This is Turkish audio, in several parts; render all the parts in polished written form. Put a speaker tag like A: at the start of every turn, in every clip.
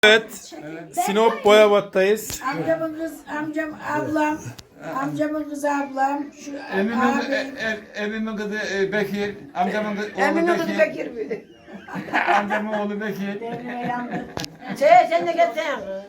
A: Evet, Sinop Boyabat'tayız.
B: Amcamın kız, ablam, amcamın kızı ablam, şu
C: Evimin kızı Bekir, amcamın oğlu
B: Emin'in kızı
C: Bekir,
B: Bekir.
C: amcamın oğlu Bekir.
B: Sen de gelsene.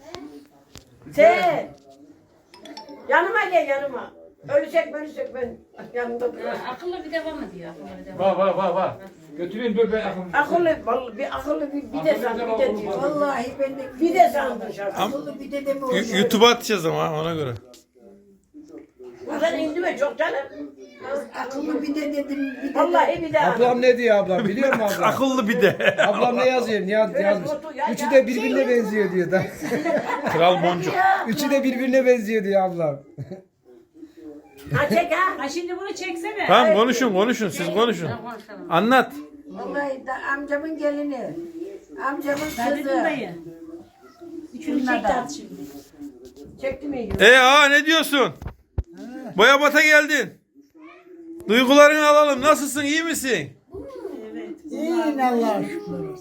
B: Yanıma gel yanıma. Ölüsek ben yanımda dur.
D: Akıllı bir devam ediyor. Akıllı bir devam.
C: Var. Götüreyim dur ben akım.
B: Vallahi bir de sandım, bir de diyor. Vallahi ben de bir de sandım şarkı. Akıllı bir de de mi o şey?
A: YouTube'a atacağız ama ona göre.
B: Buradan indi mi çok canım? Akıllı bir de dedim. Vallahi bir de.
E: Ablam ne diyor ablam biliyor musun ablam?
A: Akıllı bir de.
E: Ablam ne yazıyor? Ne yazmış? Üçü de birbirine benziyor diyor da.
A: Kral Boncuk.
E: Üçü de birbirine benziyor diyor ablam.
B: Ha çek ha.
D: Ha şimdi bunu çeksene.
A: Tamam konuşun siz konuşun. Anlat.
B: Vallahi da amcamın gelini. Amcamın
D: Saadettin
B: kızı.
D: dayı. Üçünü çek at şimdi.
B: Çekti mi?
A: Ne diyorsun? Boyabat'a geldin. Duygularını alalım. Nasılsın? İyi misin?
B: İyiyim Allah'a şükür.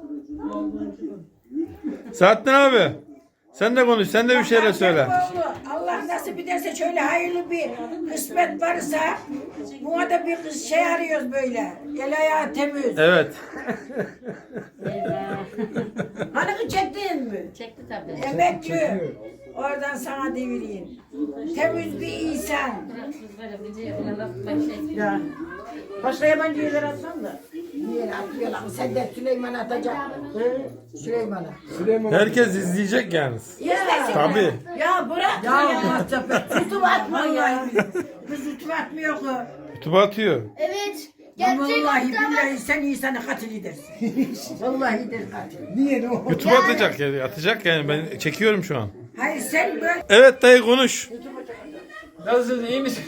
A: Saadettin abi. Sen de konuş. Sen de bir şeyler söyle.
B: Allah nasip ederse şöyle hayırlı bir kısmet varsa buna da bir kız şey arıyoruz böyle. El ayağı temiz.
A: Evet.
B: Hani kız çektin mi?
D: Çekti tabii.
B: Emekli. Oradan sana devireyim. Temiz bir insan.
D: Böyle bir laf ben şey.
B: Ya. Başka yabancı yerler atmam da. Niye atıyorlar? Sen de Süleyman atacak. Süleyman'a.
A: Herkes izleyecek yalnız.
B: Ya.
A: Tabii.
B: Ya bırak ya. Tutup atma ya. Biz tutup atmıyor ki.
A: YouTube'a atıyor.
F: Evet.
B: Vallahi billahi sen insanı katil edersin. Vallahi der katil.
E: Niye ne o?
A: YouTube'a atacak yani. Atacak yani. Ben çekiyorum şu an.
B: Hayır sen böyle.
A: Evet dayı konuş.
C: Nasılsınız, iyi misin?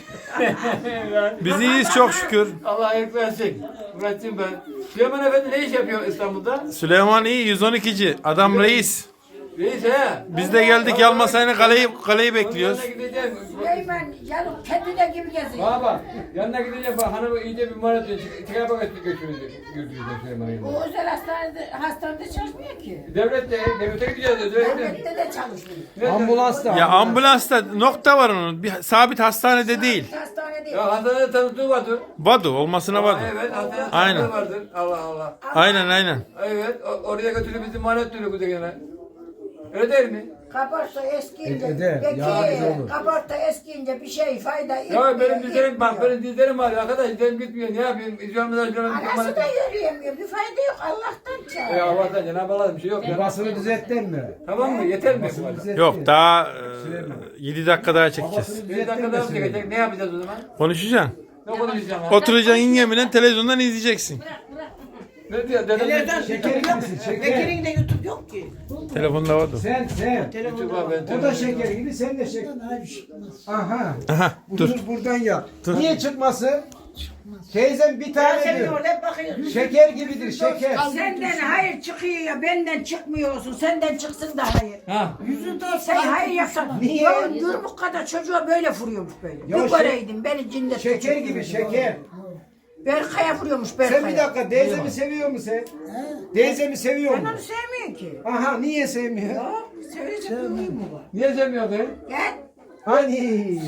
A: Biz iyiyiz çok şükür.
C: Allah ayık versin. Murat'cığım ben. Süleyman Efendi ne iş yapıyor İstanbul'da?
A: Süleyman iyi 112'ci. Adam reis.
C: Reis he.
A: Biz de geldik Yalmasay'ın kaleyi bekliyoruz.
C: Yanına gideceğim.
B: Süleyman yanım kendine gibi geziyor.
C: Bak. Yanına gideceğim. Bak hanımı iyice bir muhabbet edecek. Çıkar bak götüreceğim Süleyman'ı yanına.
B: Bu özel hastanede çalışmıyor ki.
C: Devlete gideceğiz.
B: Devlette de çalışmıyor.
E: Ambulansta.
A: Ya ambulansta nokta var onun. Bir sabit hastanede değil.
B: Hastane değil.
C: Ya hastanede tanıtığı vardır.
A: Vadu olmasına vadu.
C: Evet hastanede
A: Aynen.
C: tanıtığı vardır. Allah.
A: Aynen.
C: Evet oraya götürüp bizi muhabbet ediyor bu gene. Öyle değil mi?
B: Kabarsa eskiyince,
E: Eder, yardımcı olur.
B: kabarta eskiyince bir şey fayda
C: Ya benim dizlerim bak benim dizlerim var arkadaş dizlerim gitmiyor ne yapayım izliyorum
B: Anası da yürüyemiyor. Bir fayda yok. Allah'tan çağır.
C: Ya Allah'tan Cenab-ı Allah'ın bir şey yok ya.
E: Basını düzeltten mi?
C: Tamam mı? Yeter mi?
E: Basını düzeltten.
A: Yok daha 7 dakika daha çekeceğiz.
C: Bir dakika daha mı çekecek? Ne yapacağız o zaman?
A: Konuşacaksın.
C: Ne konuşacağım?
A: Oturacaksın yengemle televizyondan izleyeceksin.
C: Ne diyor? Dedem
E: Şeker gibisin şeker.
B: Bekir'in de YouTube yok ki.
A: Telefonda vadu.
E: Sen.
C: YouTube'a ben
E: O da şeker gibi sen de şeker. Aha.
A: Aha dur.
E: Buradan yap. Niye çıkması? Teyzem bir
B: Ben
E: tane
B: seni
E: diyor.
B: orada hep bakıyorum.
E: Şeker gibidir şeker.
B: Senden hayır çıkıyor ya benden çıkmıyor olsun. Senden çıksın da hayır.
C: Ha.
B: Sen hayır yapsan.
E: Niye?
B: Ya Gürbük kadar çocuğa böyle vuruyormuş böyle.
E: Ya
B: Bir göreydim beni cinnet.
E: Şeker gibi şeker.
B: Berkay'a vuruyormuş Berkay'a.
E: Sen bir dakika teyzemi seviyor musun sen? Teyzemi seviyor
B: Ben
E: musun?
B: onu sevmiyorum ki.
E: Aha niye sevmiyor?
B: Ya sevecek bir huyum mu var?
C: Niye sevmiyor be?
B: Gel.
E: Hani?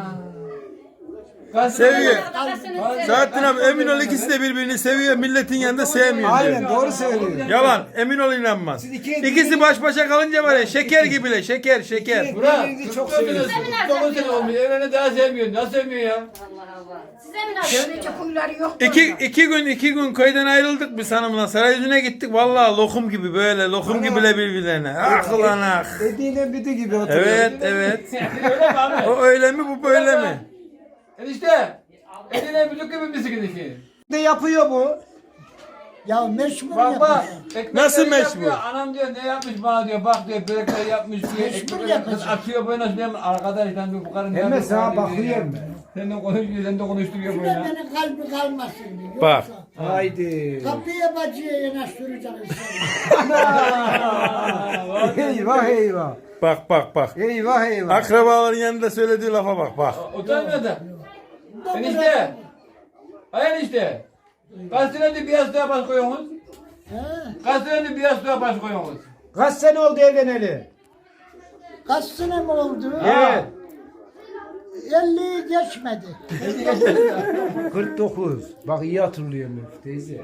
A: Seviyor. Saadettin abi Eminol ikisi de birbirini seviyor. Milletin yanında sevmiyor
E: Aynen
A: diyor.
E: doğru söylüyor.
A: Yalan. Eminol inanmaz.
E: Siz iki-
A: İkisi baş başa kalınca var ya şeker gibiler. Şeker.
C: Burak.
E: Birbirinizi çok
C: 49
E: seviyorsunuz.
C: sene olmuş. Evlene daha sevmiyor. Nasıl sevmiyor ya?
D: Size mi lazım?
B: Sevecek huyları yok.
A: İki gün köyden ayrıldık biz hanımla. Sarayüzü'ne gittik. Vallahi lokum gibi böyle. Lokum gibiler birbirlerine. Ah lan ah.
E: Dediğine bidi gibi oturuyor.
A: Evet.
C: Öyle mi abi?
A: O öyle mi bu böyle mi?
C: Enişte. Eline büdük gibi misin gidişi?
E: Ne yapıyor bu?
F: Ya meşgul
C: Bak bak.
F: yapacağım.
C: ekmekleri
A: Nasıl meşgul?
C: yapıyor. Anam diyor ne yapmış bana diyor. Bak diyor börekler yapmış diyor. Ekmekleri
F: yapacak.
C: kız atıyor böyle nasıl diyeyim. Arkadaş lan diyor bu karın ne
E: Hemen
C: yapıyor
E: sana
C: bana diyor ya.
E: bakıyorum ben.
C: Sen de konuşuyor, sen de konuşturuyor
F: Bir de
C: böyle.
F: benim kalbi kalmasın diyor.
A: Bak.
F: Yoksa
E: Haydi.
F: kapıya bacıya yanaştıracağım
E: Eyvah.
A: Bak.
E: Eyvah.
A: Akrabaların yanında söylediği lafa bak.
C: Utanmıyor da. Enişte. Hayır enişte. Kaç senedir bir yastığa baş koyuyorsunuz? Kaç senedir bir yastığa baş koyuyorsunuz?
E: Kaç sene oldu evleneli?
F: Kaç sene mi oldu?
E: Evet.
F: 50'yi geçmedi.
E: 49. Bak iyi hatırlıyorum teyze.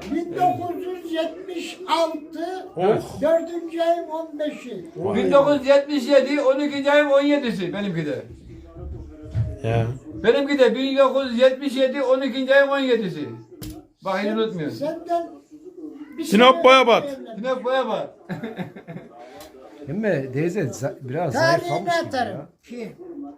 F: 1976
A: Oh.
F: 4. ayın 15'i.
C: 1977 12. ayın 17'si benimki de.
A: Ya.
C: Benimki de 1977 12. ayın 17'si. Bak hiç unutmuyorum.
F: Senden bir
A: Sinop
F: sene
A: Boyabat.
F: evlendim.
C: Yine boya var.
E: Değil mi teyze biraz zayıflamış
F: Tarihini
E: gibi ya.
F: atarım. Ki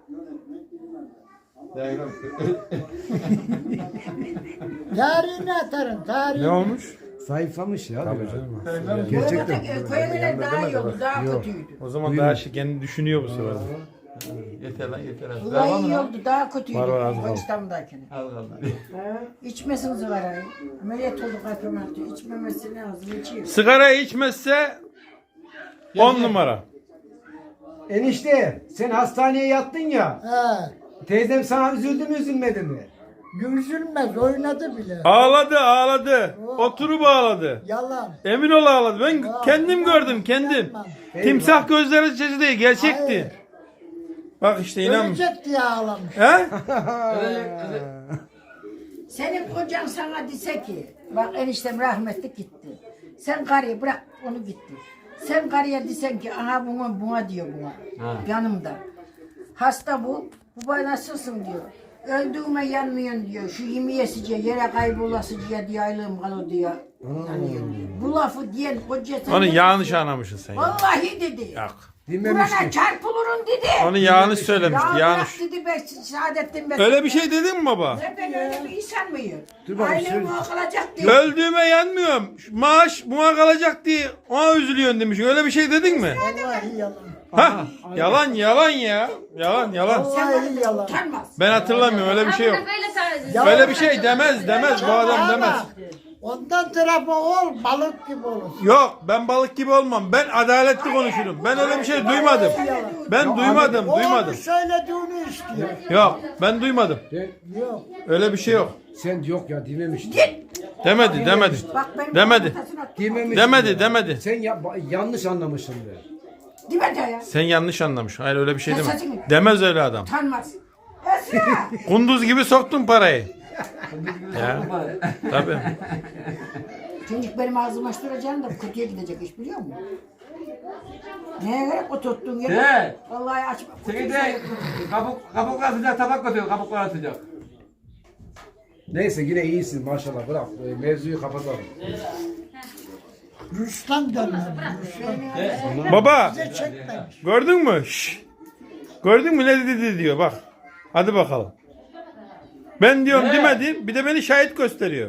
F: tarihini atarım. Tarihini.
A: Ne olmuş?
E: Zayıflamış ya.
A: Tabii
E: biraz.
A: canım.
E: Gerçekten.
B: Köyler daha iyi oldu, daha
E: Yok.
B: kötüydü.
A: O zaman daha şey kendi düşünüyor bu sefer.
C: Yeter lan yeter. Az
B: Vallahi
C: var
B: iyi
C: mı?
B: oldu, daha kötüydü.
A: Var, az kaldı.
B: İstanbul'dakine.
C: Az kaldı.
B: İçmesiniz var ay. Ameliyat olduk akromatı. İçmemesi lazım, içiyor.
A: Sigara içmezse 10 numara.
E: Enişte sen hastaneye yattın ya.
F: Ha,
E: Teyzem sana üzüldü mü üzülmedi mi?
F: üzülmez, oynadı bile.
A: Ağladı ağladı. Oturup ağladı.
F: Yalan.
A: Emin ol ağladı. Ben kendim gördüm kendim. Timsah gözleri içi değil gerçekti.
F: Hayır.
A: Bak işte inan.
F: Ölecek diye ağlamış.
A: He?
B: Senin kocan sana dese ki, bak eniştem rahmetli gitti. Sen karıyı bırak, onu gitti. Sen karıya desen ki, aha buna diyor buna.
C: Ha.
B: Yanımda. Hasta bu. Baba nasılsın diyor. Öldüğüme yanmıyorsun diyor. Şu yemiyesice yere kaybolasıcıya diye aylığım kalır diyor. Yanıyor. Bu lafı diyen koca sen
A: Onu
B: ne
A: yanlış
B: diyorsun?
A: anlamışsın sen. Ya.
B: Vallahi dedi.
A: Yok.
E: Dinlemiştim.
B: Burana çarpılırım dedi.
A: Onu yanlış söylemişti
B: Ya
A: yanlış.
B: bırak dedi ben Saadettin ben.
A: Öyle bir şey dedin mi baba?
B: Ben öyle bir insan mıyım?
E: Dur bakayım,
B: Ailem
E: söyle.
B: kalacak diye.
A: Öldüğüme yanmıyorum. Maaş buna kalacak diye ona üzülüyorsun demiş. Öyle bir şey dedin mi?
F: Vallahi yalan.
A: Ha? Yalan yalan ya. Yalan yalan.
F: Vallahi yalan.
B: Utanmaz.
A: Ben hatırlamıyorum öyle bir şey yok.
D: Böyle tarzı.
F: Ya-
A: Öyle bir şey demez bu adam demez.
F: Ondan tarafı ol, balık gibi olur.
A: Yok ben balık gibi olmam. Ben adaletli konuşurum. Ben öyle bir şey duymadım. Ben duymadım
F: O
A: duymadım.
F: onu söylediğini istiyor.
A: Yok ben duymadım.
F: Yok.
E: Öyle
A: bir şey yok.
E: Sen yok ya dememiştin.
A: Demedi demedi.
B: Bak benim
A: Demedi.
B: kafasına-
E: Dememiştin
A: Demedi
E: ya.
A: demedi.
E: Sen yanlış anlamışsın be.
B: Demedi ya.
A: Sen yanlış anlamış. Hayır öyle bir şey deme.
B: Sesini-
A: Demez öyle adam.
B: Utanmaz. Esra.
A: Kunduz gibi soktun parayı. Ya tabii.
B: Çocuk benim ağzımı açtıracağım da kötüye gidecek iş biliyor musun? Neye göre o tuttuğun yere?
C: De.
B: Vallahi açma.
C: Seni de kabuklar sıcak tabak götürüyor kabuklar sıcak.
E: Neyse yine iyisin maşallah bırak. Mevzuyu kapatalım.
F: Ruslan dönmem. Ruslan.
A: Baba
F: Bize çekmemiş.
A: gördün mü? Şşş. Gördün mü ne dedi diyor bak. Hadi bakalım. Ben diyorum demedim. Bir de beni şahit gösteriyor.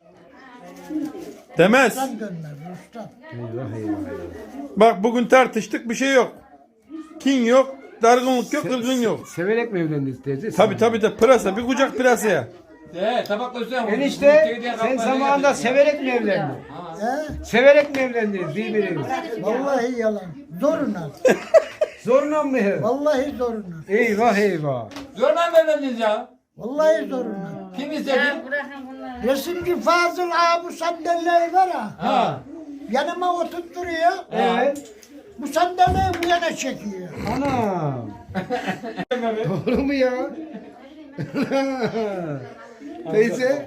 A: Demez.
F: Ruslan dönmem. Ruslan.
E: Eyvah eyvah.
A: Bak bugün tartıştık bir şey yok. Kin yok. Dargınlık yok. Kırgın yok.
E: Severek mi evlendiniz teyze?
A: Tabi de pırasa. Bir kucak pırasaya.
C: De tabak götürüyor.
E: Enişte sen zamanında severek mi evlendin?
F: He?
E: Severek mi evlendiniz birbirinizi?
F: Vallahi yalan. Zoruna.
E: Zorla mı?
F: Vallahi zoruna.
E: Eyvah eyvah.
C: Zorla mı evlendiniz ya?
F: Vallahi zoruna.
C: Kim istedi?
D: Bırakın bunları.
F: Resimci Fazıl abi bu sandalyeyi var ha.
E: Ha.
F: Yanıma oturtturuyor.
E: Evet.
F: Bu sandalyeyi bu yana çekiyor.
E: Anam. Doğru mu ya? Teyze.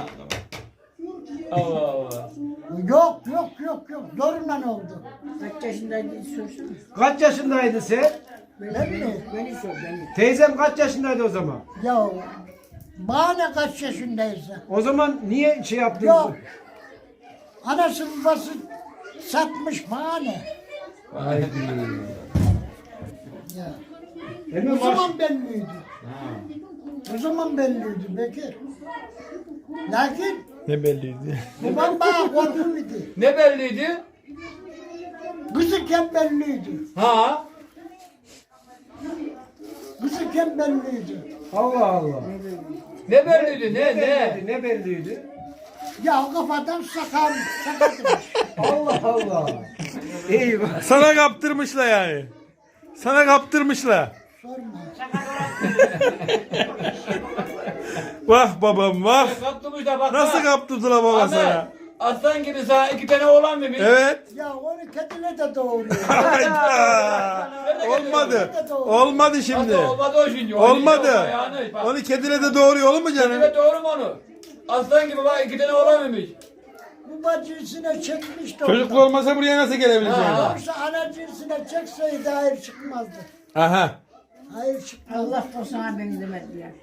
C: Allah Allah.
F: Yok. Zoruna oldu.
B: Kaç yaşındaydı sorsana.
E: Kaç yaşındaydın sen?
F: Ne bileyim.
B: Beni sor beni.
E: Teyzem kaç yaşındaydı o zaman?
F: Ya bana kaç yaşındaysa.
E: O zaman niye şey yaptın?
F: Yok. Anası babası satmış bana ne?
E: Haydi.
F: Ya.
E: Hemen
F: O
E: baş...
F: zaman belliydi. O zaman belliydi Bekir. Lakin
A: Ne belliydi.
F: babam bana korkuluydu.
C: Ne belliydi?
F: Kızıken belliydi.
C: Ha?
F: Kızıken belliydi.
E: Allah Allah.
C: Ne belliydi? Ne?
E: Ne belliydi?
F: Ya kafadan sakatmış.
E: Allah Allah. Eyvah.
A: Sana kaptırmışlar yani. Sana kaptırmışlar.
F: Sorma.
A: Vah babam vah.
C: Kaptırmış da bak.
A: Nasıl kaptırdılar baba sana?
C: aslan gibi sana 2 tane oğlan mıymış?
A: Evet.
F: Ya onu kedine de doğuruyor.
A: Hayda. Olmadı. Olmadı şimdi.
C: Aslan olmadı o şimdi. O
A: Olmadı.
C: şimdi o yanlış, bak.
A: Onu kedine de doğuruyor olur mu canım?
C: Evet doğru mu onu? Aslan gibi bak 2 tane oğlan mıymış?
F: Bu bacısına çekmiş de
A: Çocuklu
F: ondan.
A: olmasa buraya nasıl gelebileceğim?
C: Ha.
F: Yoksa ana cinsine çekseydi hayır çıkmazdı.
A: Aha.
F: Hayır çıkmazdı.
B: Allah korusun ha beni demedi ya.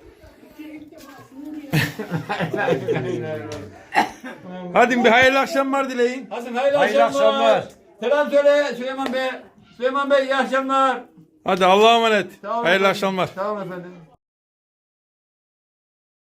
A: Hadi bir hayırlı akşamlar dileyin.
C: Hasan hayırlı
E: Hayırlı
C: akşamlar.
E: akşamlar.
C: Selam söyle Süleyman Bey. Süleyman Bey iyi akşamlar.
A: Hadi Allah'a emanet.
C: Sağ olun
A: Hayırlı
C: efendim.
A: akşamlar.
C: Sağ olun efendim.